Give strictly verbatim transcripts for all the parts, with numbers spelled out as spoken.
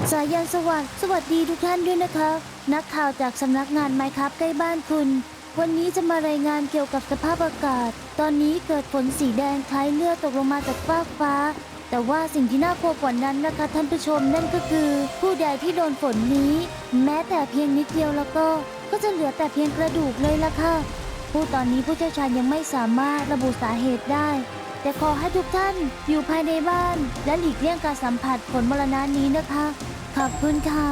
สายันสวัสดิ์สวัสดีทุกท่านด้วยนะคะนักข่าวจากสำนักงานไมค์ครับใกล้บ้านคุณวันนี้จะมารายงานเกี่ยวกับสภาพอากาศตอนนี้เกิดฝนสีแดงคล้ายเลือดตกลงมาจากฟากฟ้าแต่ว่าสิ่งที่น่ากลัวกว่านั้นนะคะท่านผู้ชมนั่นก็คือผู้ใดที่โดนฝนนี้แม้แต่เพียงนิดเดียวแล้วก็ก็จะเหลือแต่เพียงกระดูกเลยล่ะค่ะผู้ตอนนี้ผู้เชี่ยวชาญยังไม่สามารถระบุสาเหตุได้แต่ขอให้ทุกท่านอยู่ภายในบ้านและหลีกเลี่ยงการสัมผัสฝนมรณะนี้นะคะขอบคุณค่ะ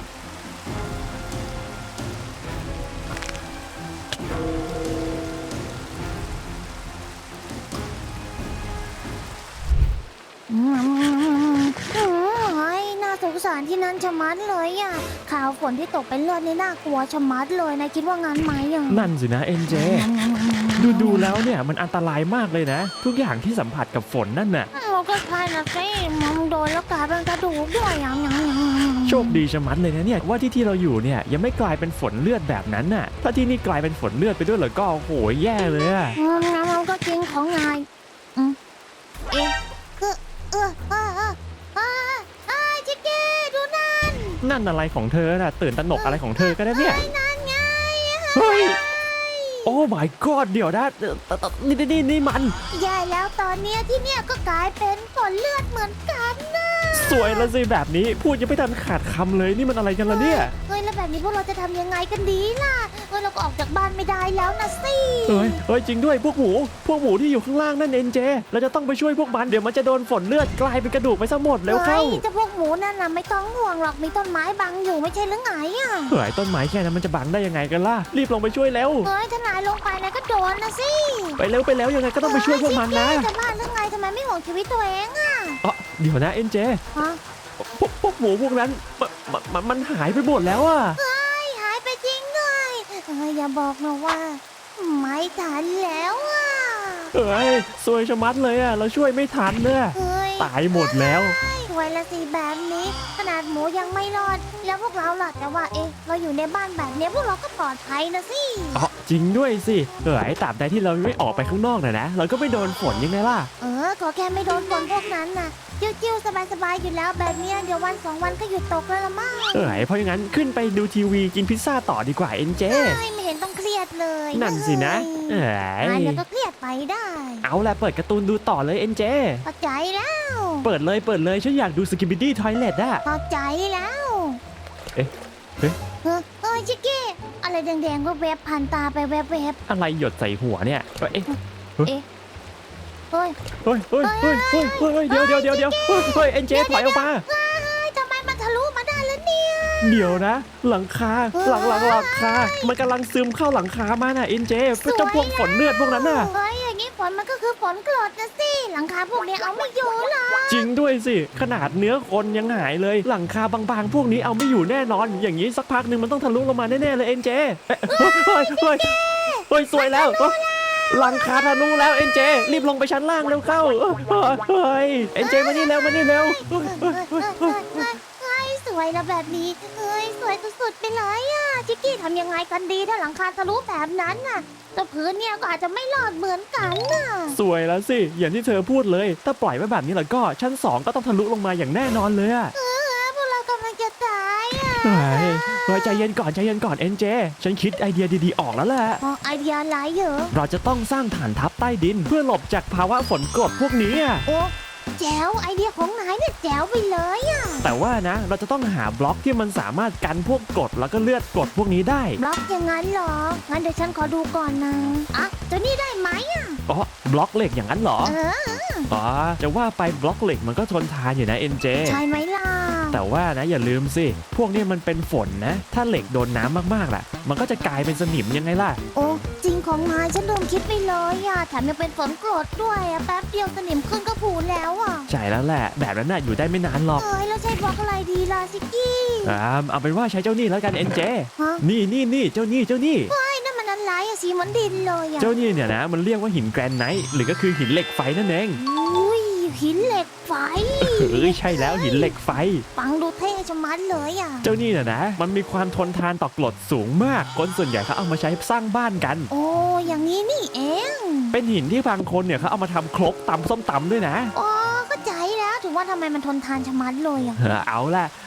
อืมเฮ้ยน่าสงสารที่นั่นชะมัดเลยอ่ะข่าวฝนที่ตกเป็นเลือดนี่น่ากลัวชะมัดเลยนายคิดว่างั้นไหมอ่ะนั่นสินะเอ็นเจดูดูแล้วเนี่ยมันอันตรายมากเลยนะทุกอย่างที่สัมผัสกับฝนนั่นน่ะเราก็ใช่นะสิมองโดนแล้วกลายเป็นกระดูกด้วยอย่างอย่างอย่างโชคดีชะมัดเลยนะเนี่ยว่าที่ที่เราอยู่เนี่ยยังไม่กลายเป็นฝนเลือดแบบนั้นน่ะถ้าที่นี่กลายเป็นฝนเลือดไปด้วยเหรอก็โหยแย่เลยอะงั้นเราก็จริงของนายอืมเอ๊ะคือเออเออเออเออเออชิคกี้ดูนั่นนั่นอะไรของเธอน่ะตื่นตระหนกอะไรของเธอก็ได้เนี่ยนั่นไงเฮ้ยโอ้ my god เดี๋ยวนะนี่นี่นี่มันแย่แล้วตอนเนี้ยที่เนี่ยก็กลายเป็นฝนเลือดเหมือนกันนะสวยละสิแบบนี้พูดยังไม่ทันขาดคำเลยนี่มันอะไรกันล่ะเนี่ยเฮ้ยแล้วแบบนี้พวกเราจะทำยังไงกันดีล่ะเฮ้ยเราก็ออกจากบ้านไม่ได้แล้วนะสิเฮ้ยเฮ้ยจริงด้วยพวกหมูพวกหมูที่อยู่ข้างล่างนั่นเอ็นเจเราจะต้องไปช่วยพวกมันเดี๋ยวมันจะโดนฝนเลือดกลายเป็นกระดูกไปซะหมดแล้วเข้าเฮ้ยจะพวกหมูนั่นน่ะไม่ต้องห่วงหรอกมีต้นไม้บังอยู่ไม่ใช่หรือไงอ่ะเฮ้ยต้นไม้แค่นั้นมันจะบังได้ยังไงกันล่ะรีบลงไปช่วยแล้วเฮ้ยถ้านายลงไปนายก็โดนนะสิไปเร็วไปแล้วยังไงก็ต้องไปช่วยพวกมันนะจะบ้าหรือไงทำไมไม่ห่วงชีวิตตัวเองอ่ะอ๋อเดี๋ยวนะเอ็นเจฮะพวกพวกหมูพวกนั้นมันมันหายไปหมดแล้วอ่ะเฮ้ยหายไปจริงด้วยเฮ้ยอย่าบอกนะว่าไม่ทันแล้วอ่ะเฮ้ยซวยชะมัดเลยอ่ะเราช่วยไม่ทันเนี่ยตายหมดแล้วสวยละสิแบบนี้ขนาดหมูยังไม่รอดแล้วพวกเราล่ะแต่ว่าเอ๊ะเราอยู่ในบ้านแบบนี้พวกเราก็ปลอดภัยนะสิอ๋อจริงด้วยสิเฮ้ยตราบใดที่เราไม่ออกไปข้างนอกนะนะเราก็ไม่โดนฝนยังไงล่ะเออขอแค่ไม่โดนฝนพวกนั้นนะจิ้วๆสบายๆอยู่แล้วแบบนี้เดี๋ยววันสองวันก็หยุดตกแล้วละมั้งเอ้ยเพราะอย่างนั้นขึ้นไปดูทีวีกินพิซซ่าต่อดีกว่าเอ็นเจไม่เห็นต้องเครียดเลยนั่นสินะเอ้ยแล้วก็เครียดไปได้เอาละเปิดการ์ตูนดูต่อเลยเอ็นเจเข้าใจแล้วเปิดเลยเปิดเลยฉันอยากดูสกิปปี้ดี้ทอยเลทอะเข้าใจแล้วเอ๊ะเฮ้ยเฮ้ยชิคกี้อะไรแดงๆก็แวบผ่านตาไปแวบๆอะไรหยดใส่หัวเนี่ยเอ๊ะเอ๊ะเฮ้ยเฮ้ยเฮ้ยเฮ้ยเฮ้ยเฮ้ยเดี๋ยวเดี๋ยวเดี๋ยวเดี๋ยวเฮ้ยเอ็นเจถอยออกมาทำไมมันทะลุมาได้แล้วเนี่ยเดี๋ยวนะหลังคาหลังหลังหลังคามันกำลังซึมเข้าหลังคามาน่ะเอ็นเจเพื่อจะพวกฝนเลือดพวกนั้นน่ะเฮ้ยอย่างนี้ฝนมันก็คือฝนกรดนะสิหลังคาพวกนี้เอาไม่อยู่หรอจริงด้วยสิขนาดเนื้อคนยังหายเลยหลังคาบางๆพวกนี้เอาไม่อยู่แน่นอนอย่างนี้สักพักหนึ่งมันต้องทะลุลงมาแน่ๆเลยเอ็นเจเฮ้ยเฮ้ยเฮ้ยเฮ้ยสวยแล้วหลังคาทะลุแล้วเอ็นเจรีบลงไปชั้นล่างเร็วเข้าเฮ้ยเอ็นเจมานี่เร็วมานี่เร็วเฮ้ยสวยนะแบบนี้เฮ้ยสวยสุดๆไปเลยอ่ะชิคกี้ทำยังไงกันดีถ้าหลังคาทะลุแบบนั้นน่ะแต่พื้นเนี่ยก็อาจจะไม่รอดเหมือนกันน่ะสวยแล้วสิอย่างที่เธอพูดเลยถ้าปล่อยไว้แบบนี้แล้วก็ชั้นสองก็ต้องทะลุลงมาอย่างแน่นอนเลยอ่ะเออพวกเรากำลังจะตายอ่ะเฮ้ยเฮ้ยใจเย็นก่อนใจเย็นก่อนเอ็นเจฉันคิดไอเดียดีๆออกแล้วแหละไอเดียอะไรเหรอเราจะต้องสร้างฐานทัพใต้ดินเพื่อหลบจากภาวะฝนกรดพวกนี้โอ้แจ๋วไอเดียของนายเนี่ยแจ๋วไปเลยอ่ะแต่ว่านะเราจะต้องหาบล็อกที่มันสามารถกันพวกกรดแล้วก็เลือดกรดพวกนี้ได้บล็อกอย่างนั้นเหรองั้นเดี๋ยวฉันขอดูก่อนนะอ่ะตัวนี้ได้ไหมอ่ะอ๋อบล็อกเหล็กอย่างนั้นเหรอเอออ๋อจะว่าไปบล็อกเหล็กมันก็ทนทานอยู่นะเอ็นเจใช่ไหมล่ะแต่ว่านะอย่าลืมสิพวกนี้มันเป็นฝนนะถ้าเหล็กโดนน้ำมากๆล่ะมันก็จะกลายเป็นสนิมยังไงล่ะโอ้จริงของนายฉันลืมคิดไปเลยอ่ะแถมยังเป็นฝนกรดด้วยอ่ะแป๊บเดียวสนิมขึ้นก็ผูแล้วอ่ะใช่แล้วแหละแบบนั้นน่ะอยู่ได้ไม่นานหรอกเอ้ยแล้วใช้บล็อกอะไรดีล่ะซิกกี้อ่าเอาเป็นว่าใช้เจ้านี่แล้วกันเอ็นเจนี่นี่นี่เจ้านี่เจ้านี่เฮ้ยนั่นมันอะไรอ่ะสีเหมือนดินเลยอ่ะเจ้านี่เนี่ยนะมันเรียกว่าหินแกรนไนท์หรือก็คือหินเหล็กไฟนั่นเองอุ้ยหินเหล็กไฟเอ้ยใช่แล้วหินเหล็กไฟฟังดูเท่ชะมัดเลยอ่ะเจ้านี่น่ะนะมันมีความทนทานต่อกรดสูงมากคนส่วนใหญ่เขาเอามาใช้สร้างบ้านกันโอ้อย่างนี้นี่เองเป็นหินที่บางคนเนี่ยเขาเอามาทำครกตำส้มตำด้วยนะอ๋อเข้าใจแล้วถึงว่าทำไมมันทนทานชะมัดเลยอ่ะเอาล่ะ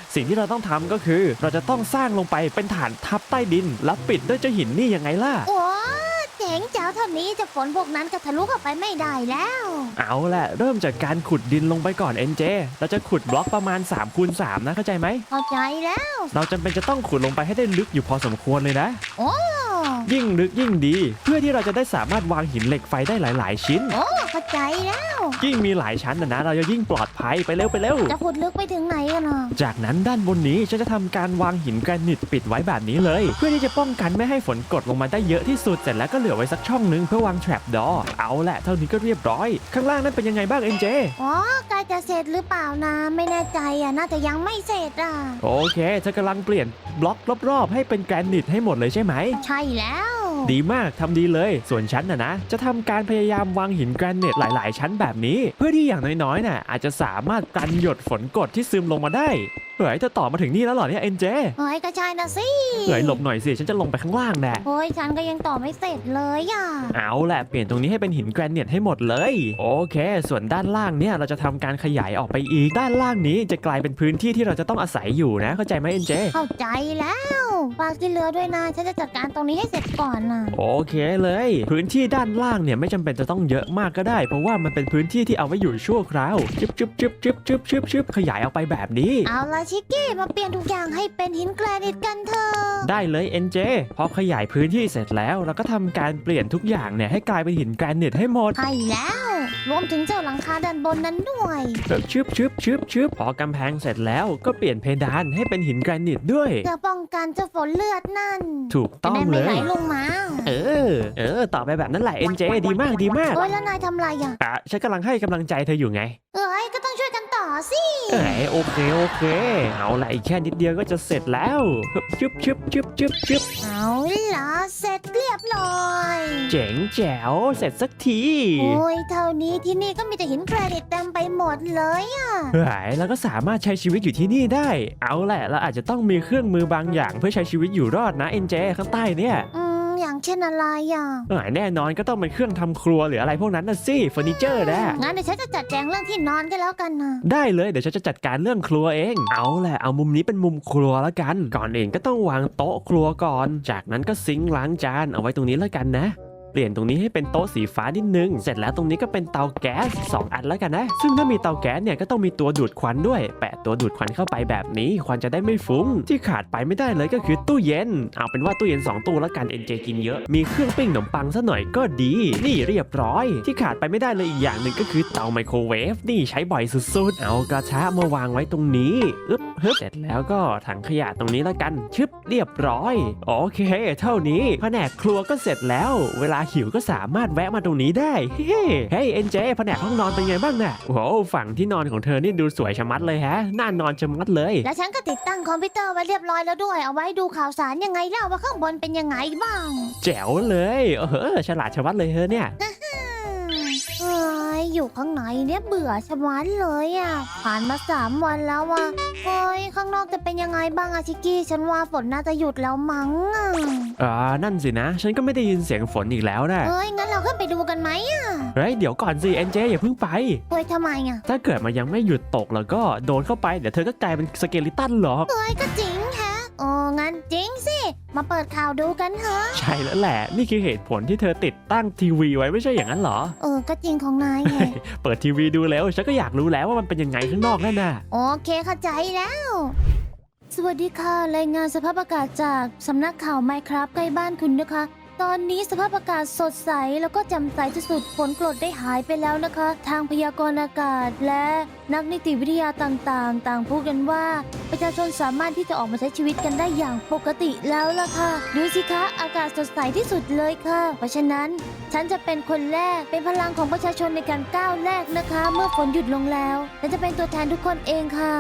สิ่งที่เราต้องทำก็คือเราจะต้องสร้างลงไปเป็นฐานทับใต้ดินแล้วปิดด้วยเจ้าหินนี่ยังไงล่ะโอ้เจ๋งเจ้าเท่านี้จะฝนพวกนั้นก็ทะลุเข้าไปไม่ได้แล้วเอาแหละเริ่มจากการขุดดินลงไปก่อน เอ็น เจ เราจะขุดบล็อกประมาณ สามคูณสาม นะเข้าใจไหมเข้าใจแล้วเราจำเป็นจะต้องขุดลงไปให้ได้ลึกอยู่พอสมควรเลยนะโอ้ยิ่งลึกยิ่งดี เพื่อที่เราจะได้สามารถวางหินเหล็กไฟได้หลาย ๆ ชิ้นโอ้เข้าใจแล้วยิ่งมีหลายชั้นนะนะเราจะยิ่งปลอดภัยไปเร็วไปเร็วจะขุดลึกไปถึงไหนกันอ่ะจากนั้นด้านบนนี้ฉันจะทำการวางหินแกรนิตปิดไว้แบบนี้เลย เพื่อที่จะป้องกันไม่ให้ฝนกดลงมาได้เยอะที่สุดเสร็จแล้วก็เหลือไว้สักช่องนึงเพื่อวางแทรปดอเอาแหละเท่านี้ก็เรียบร้อยข้างล่างนั้นเป็นยังไงบ้าง เอ็น เจอ๋อใกล้จะเสร็จหรือเปล่านะ ไม่แน่ใจอ่ะน่าจะยังไม่เสร็จอ่ะโอเคเธอกำลังเปลี่ยนบล็อกรอบๆให้เป็นแกรนิตให้หมดเลยใช่ไหมใช่แล้วดีมากทำดีเลยส่วนฉันนะนะจะทำการพยายามวางหินแกรนิตหลายๆ ชั้นแบบนี้ เพื่อที่อย่างน้อยๆน่ะอาจจะสามารถกันหยดฝนกรดที่ซึมลงมาได้เฮ้ยเธอต่อมาถึงนี่แล้วเหรอเนี่ย เอ็น เจเฮ้ยก็ใช่นะสิเฮ้ยหลบหน่อยสิฉันจะลงไปข้างล่างแน่โอ้ยฉันก็ยังต่อไม่เสร็จเลยอ่ะเอาแหละเปลี่ยนตรงนี้ให้เป็นหินแกรนิตให้หมดเลยโอเค ส่วนด้านล่างเนี่ยเราจะทำการขยายออกไปอีกด้านล่างนี้จะกลายเป็นพื้นที่ที่เราจะต้องอาศัยอยู่นะเข้าใจไหม เอ็น เจเข้าใจแล้วฝากที่เหลือด้วยนะฉันจะจัดการตรงนี้ให้เสร็จก่อนนะโอเคเลย พื้นที่ด้านล่างเนี่ยไม่จำเป็นจะต้องเยอะมากก็ได้ เพราะว่ามันเป็นพื้นที่ที่เอาไว้อยู่ชั่วคราวจึ๊บจึ๊บจึ๊บจึ๊บจึ๊บจึ๊บจึ๊บขยายออกไปแบบนี้เอาละชิคกี้มาเปลี่ยนทุกอย่างให้เป็นหินแกรนิตกันเถอะได้เลย เอ็น เจ พอขยายพื้นที่เสร็จแล้วเราก็ทำการเปลี่ยนทุกอย่างเนี่ยให้กลายเป็นหินแกรนิตให้หมดใช่แล้ว รวมถึงเจ้าหลังคาด้านบนนั้นด้วยแบบชึบชึบชึบชึบพอกำแพงเสร็จแล้วก็เปลี่ยนเพดานให้เป็นหินแกรนิตด้วยจะป้องกันเจ้าฝนเลือดนั่นถูกจะต้องได้เลไม่ไหลยลงมาเออ เออ ต่อไปแบบนั้นแหละ เอ็น เจ ดีมากดีมากโอ้ยแล้วนายทำไรอ่ะอ่ะฉันกำลังให้กำลังใจเธออยู่ไงเอ้ยก็ต้องช่วยกันต่อสิเอ้ยโอเคโอเค เอาละอีกแค่นิดเดียวก็จะเสร็จแล้วชึบชึบชึบชึบชึบเอาล่ะเสร็จเรียบร้อยเจ๋งแจ๋วเสร็จสักทีโอ้ยเท่านี้ที่นี่ก็มีแต่หินแกรนิตเต็มไปหมดเลยอ่ะเฮ้ยแล้วก็สามารถใช้ชีวิตอยู่ที่นี่ได้ เอาแหละเราอาจจะต้องมีเครื่องมือบางอย่างเพื่อใช้ชีวิตอยู่รอดนะ เอ็น เจ ข้างใต้เนี่ยอืมอย่างเช่นอะไรอ่ะเอ้ยแน่นอนก็ต้องเป็นเครื่องทำครัวหรืออะไรพวกนั้นน่ะสิเฟอร์นิเจอร์นะงั้นเดี๋ยวฉันจะจัดแจงเรื่องที่นอนกันแล้วกันนะได้เลยเดี๋ยวฉันจะจัดการเรื่องครัวเอง เอาแหละเอามุมนี้เป็นมุมครัวแล้วกัน ก่อนอื่นก็ต้องวางโต๊ะครัวก่อน จากนั้นก็ซิงค์ล้างจานเอาไว้ตรงนี้แล้วกันนะ เปลี่ยนตรงนี้ให้เป็นโต๊ะสีฟ้านิดนึง เสร็จแล้วตรงนี้ก็เป็นเตาแก๊สสองอันแล้วกันนะ ซึ่งถ้ามีเตาแก๊สเนี่ยก็ต้องมีตัวดูดควันด้วย แปะตัวดูดควันเข้าไปแบบนี้ควันจะได้ไม่ฟุ้ง ที่ขาดไปไม่ได้เลยก็คือตู้เย็น เอาเป็นว่าตู้เย็นสองตู้แล้วกัน เอ็น เจ กินเยอะ มีเครื่องปิ้งขนมปังซะหน่อยก็ดี นี่เรียบร้อย ที่ขาดไปไม่ได้เลยอีกอย่างหนึ่งก็คือเตาไมโครเวฟ นี่ใช้บ่อยสุดๆ เอากระทะมาวางไว้ตรงนี้อึ๊บฮึบเสร็จแล้วก็ถังขยะตรงนี้แล้วกัน ชึบเรียบร้อย โอเค เท่านี้แผนกครัวก็เสร็จแล้ว เวลาหิวก็สามารถแวะมาตรงนี้ได้ เฮ้เฮ้ยเอ็นเจแผนกห้องนอนเป็นไงบ้างน่ะโอ้โหฝั่งที่นอนของเธอนี่ดูสวยชะมัดเลยฮะน่านอนชะมัดเลยแล้วฉันก็ติดตั้งคอมพิวเตอร์ไว้เรียบร้อยแล้วด้วย เอาไว้ดูข่าวสารยังไงเล่าว่าข้างบนเป็นยังไงบ้างแจ๋วเลยเออฉลาดชะมัดเลยเธอเนี่ยอืมเอ้ยอยู่ข้างในเนี่ยเบื่อชะมัดเลยอ่ะ ผ่านมาสามวันแล้วอ่ะเฮ้ยข้างนอกจะเป็นยังไงบ้างอะชิกกี้ ฉันว่าฝนน่าจะหยุดแล้วมั้งอะอ่านั่นสินะ ฉันก็ไม่ได้ยินเสียงฝนอีกแล้วนะเฮ้ยงั้นเราขึ้นไปดูกันไหมอะเฮ้ยเดี๋ยวก่อนสิเอ็นเจอย่าเพิ่งไปเฮ้ยทำไมอะถ้าเกิดมันยังไม่หยุดตกแล้วก็โดนเข้าไปเดี๋ยวเธอก็กลายเป็นสเกลิตันหรอกเฮ้ยก็จริงแฮะโอ้งั้นจริงสิ มาเปิดข่าวดูกันเถอะใช่แล้วแหละนี่คือเหตุผลที่เธอติดตั้งทีวีไว้ไม่ใช่อย่างนั้นเหรอเออก็จริงของนายไงเปิดทีวีดูแล้วฉันก็อยากรู้แล้วว่ามันเป็นยังไงข้างนอกนั่นน่ะโอเคเข้าใจแล้ว สวัสดีค่ะ รายงานสภาพอากาศจากสำนักข่าวไมครับใกล้บ้านคุณนะคะ ตอนนี้สภาพอากาศสดใสแล้วก็แจ่มใสที่สุดฝนกรดได้หายไปแล้วนะคะ ทางพยากรณ์อากาศและนักนิติวิทยาต่างๆ ต่างพูดกันว่า ประชาชนสามารถที่จะออกมาใช้ชีวิตกันได้อย่างปกติแล้วล่ะค่ะดูสิคะอากาศสดใสที่สุดเลยค่ะ เพราะฉะนั้นฉันจะเป็นคนแรกเป็นพลังของประชาชนในการก้าวแรกนะคะ เมื่อฝนหยุดลงแล้วและจะเป็นตัวแทนทุกคนเองค่ะ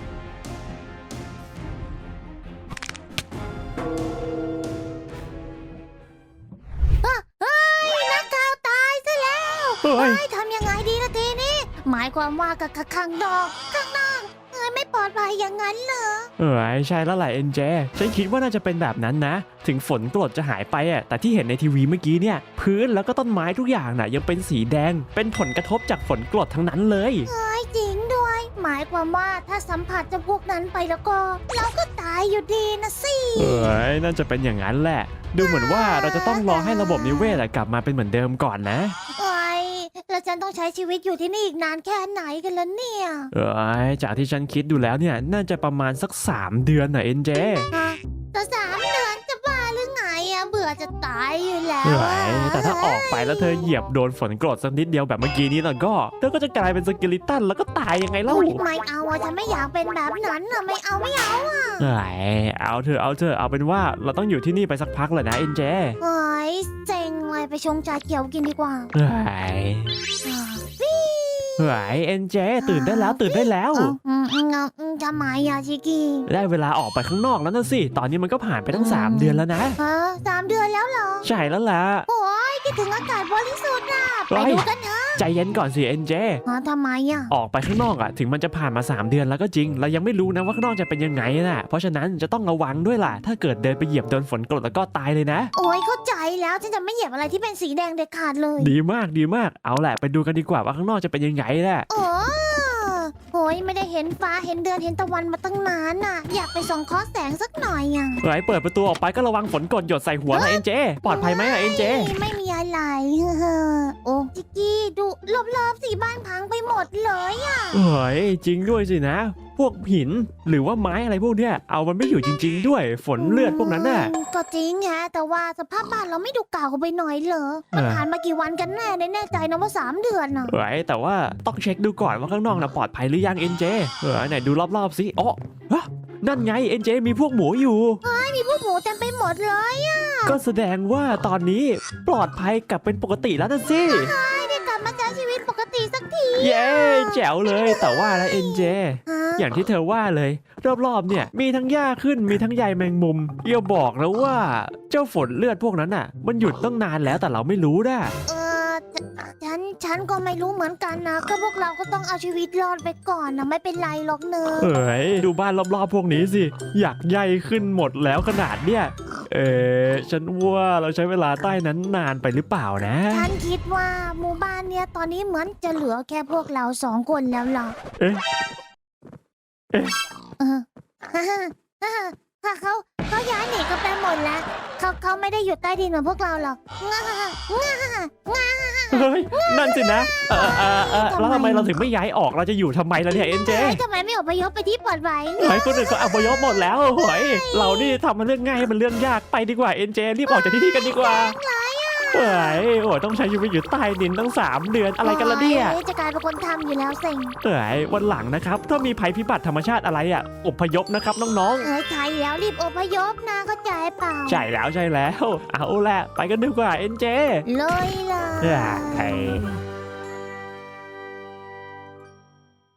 เฮ้ยนักข่าวตายซะแล้วเฮ้ยเฮ้ยทำยังไงดีละทีนี้ หมายความว่ากับข้างนอกข้างนอกเอ้ยไม่ปลอดภัยอย่างนั้นเหรอเออใช่แล้วแหละเอ็นเจฉันคิดว่าน่าจะเป็นแบบนั้นนะ ถึงฝนกรดจะหายไปอ่ะแต่ที่เห็นในทีวีเมื่อกี้เนี่ยพื้นแล้วก็ต้นไม้ทุกอย่างน่ะยังเป็นสีแดงเป็นผลกระทบจากฝนกรดทั้งนั้นเลยเอ้ยจริงด้วยหมายความว่าถ้าสัมผัสเจะพวกนั้นไปแล้วก็ เราก็ตายอยู่ดีนะสิเอ้ยน่าจะเป็นอย่างนั้นแหละ ดูเหมือนว่าเราจะต้องรอให้ระบบนิเวศอะกลับมาเป็นเหมือนเดิมก่อนนะโอ้ยแล้วฉันต้องใช้ชีวิตอยู่ที่นี่อีกนานแค่ไหนกันแล้วเนี่ยเอ้ยจากที่ฉันคิดดูแล้วเนี่ยน่าจะประมาณสักสามเดือนน่ะเอ็นเจฮะแต่สามเดือนจะบ้าหรือไงอะเบื่อจะตายอยู่แล้วเอ้อะยแต่ถ้าออกไปแล้วเธอเหยียบโดนฝนกรดสักนิดเดียวแบบเมื่อกี้นี้แล้วก็เธอก็จะกลายเป็นสเกลิตันแล้วก็ตายยังไงเล่าอุ๊ยไม่เอาอะฉันไม่อยากเป็นแบบนั้นอะไม่เอาไม่เอาอะเอ้ยเอาเธอะเอาเธอะเอาเป็นว่าเราต้องอยู่ที่นี่ไปสักพักเลยนะเอ็นเจเฮ้ยเซ็งเลยไปชงชาเขียวกินดีกว่าเฮ้ยอ่าเฮ้ยเอ็นเจตื่นได้แล้วตื่นได้แล้วเอ้าอืมอืมอืมอืมทำไมอะชิคกี้ได้เวลาออกไปข้างนอกแล้วนะสิ ตอนนี้มันก็ผ่านไปตั้งสามเดือนแล้วนะฮะสามเดือนแล้วเหรอใช่แล้วล่ะโอ้ยคิดถึงอากาศบริสุทธิ์อะเฮ้ไปยดูกันเถอะใจเย็นก่อนสิเอ็นเจฮะทำไมอะออกไปข้างนอกอะถึงมันจะผ่านมาสามเดือนแล้วก็จริง เรายังไม่รู้นะว่าข้างนอกจะเป็นยังไงนะเพราะฉะนั้นจะต้องระวังด้วยล่ะ ถ้าเกิดเดินไปเหยียบโดนฝนกรดแล้วก็ตายเลยนะโอ้ยเข้าใจแล้วฉันจะไม่เหยียบอะไรที่เป็นสีแดงเด็ดขาดเลยดีมากดีมาก เอาแหละไปดูกันดีกว่าว่าข้างนอกจะเป็นยังไงแหละโอ้โอ้ยไม่ได้เห็นฟ้าเห็นเดือนเห็นตะวันมาตั้งนานน่ะ อยากไปส่องเคอแสงสักหน่อยอ่ะเฮ้ยเปิดประตูออกไปก็ระวังฝนกรดหยดใส่หัวนะเอ็นเจ ปลอดภัยไหมอะเอ็นเจไม่ไม่มีอะไร เฮ้อโอ้จิกกี้ดูรอบๆสีบ้านพังไปหมดเลยอ่ะเฮ้ยจริงด้วยสินะ พวกหินหรือว่าไม้อะไรพวกเนี้ยเอามันไม่อยู่จริง ๆ ด้วยฝนเลือดพวกนั้นน่ะอืมก็จริงฮะแต่ว่าสภาพบ้านเราไม่ดูเก่าไปหน่อยเหรอมันเออผ่านมากี่วันกันแน่แน่ใจนะว่าสามเดือนน่ะเฮ้ยแต่ว่าต้องเช็คดูก่อนว่าข้างนอกน่ะปลอดภัยหรือยังเอ็นเจเออไหนดูรอบๆสิอ๋อฮะนั่นไงเอ็นเจมีพวกหมูอยู่มีพวกหมูเต็มไปหมดเลยอ่ะก็แสดงว่าตอนนี้ปลอดภัยกลับเป็นปกติแล้วนะสิได้กลับมาใช้ชีวิตปกติสักทีเย้แจ๋วเลยแต่ว่านะเอ็นเจฮะอย่างที่เธอว่าเลย รอบๆเนี่ยมีทั้งหญ้าขึ้นมีทั้งใยแมงมุมอย่าบอกนะว่าเจ้าฝนเลือดพวกนั้นน่ะ มันหยุดตั้งนานแล้วแต่เราไม่รู้นะเออฉันฉันก็ไม่รู้เหมือนกันนะก็พวกเราก็ต้องเอาชีวิตรอดไปก่อนนะไม่เป็นไรหรอกเนอะเอ้ยดูบ้านรอบๆพวกนี้สิอยากใยขึ้นหมดแล้วขนาดเนี่ยเออฉันว่าเราใช้เวลาใต้นั้นนานไปหรือเปล่านะฉันคิดว่าหมู่บ้านเนี้ยตอนนี้เหมือนจะเหลือแค่พวกเราสองคนแล้วล่ะเอ๊ะเอ๊ะเออฮ่าฮ่าฮ่าฮ่าเขาเขาย้ายหนีกันไปหมดแล้วเขาเขาไม่ได้อยู่ใต้ดินเหมือนพวกเราหรอกง่าง่าง่าเฮ้ยนั่นสินะเออเออเออแล้วทำไมเราถึงไม่ย้ายออกเราจะอยู่ทำไมล่ะเนี่ยเอ็นเจเอ้ยทำไมไม่อพยพไปที่ปลอดภัยเฮ้ยคนอื่นก็อพยพหมดแล้วเฮ้ยเรานี่ทำมันเรื่องง่ายให้มันเรื่องยากไปดีกว่าเอ็นเจรีบออกจากที่นี่กันดีกว่าเฮ้ยโอ้ยต้องใช้ชีวิตอยู่ใต้ดินตั้งสามเดือนอะไรกันล่ะเนี่ยโอ้จะกลายเป็นคนทำอยู่แล้วเซ็งเอ้ยวันหลังนะครับ ถ้ามีภัยพิบัติธรรมชาติอะไรอ่ะอพยพนะครับน้องเอ้ยใช่แล้วรีบอพยพนะเข้าใจเปล่าๆใช่แล้วใช่แล้ว เอาแหละไปกันดีกว่าเอ็นเจเลยล่ะเอ้ย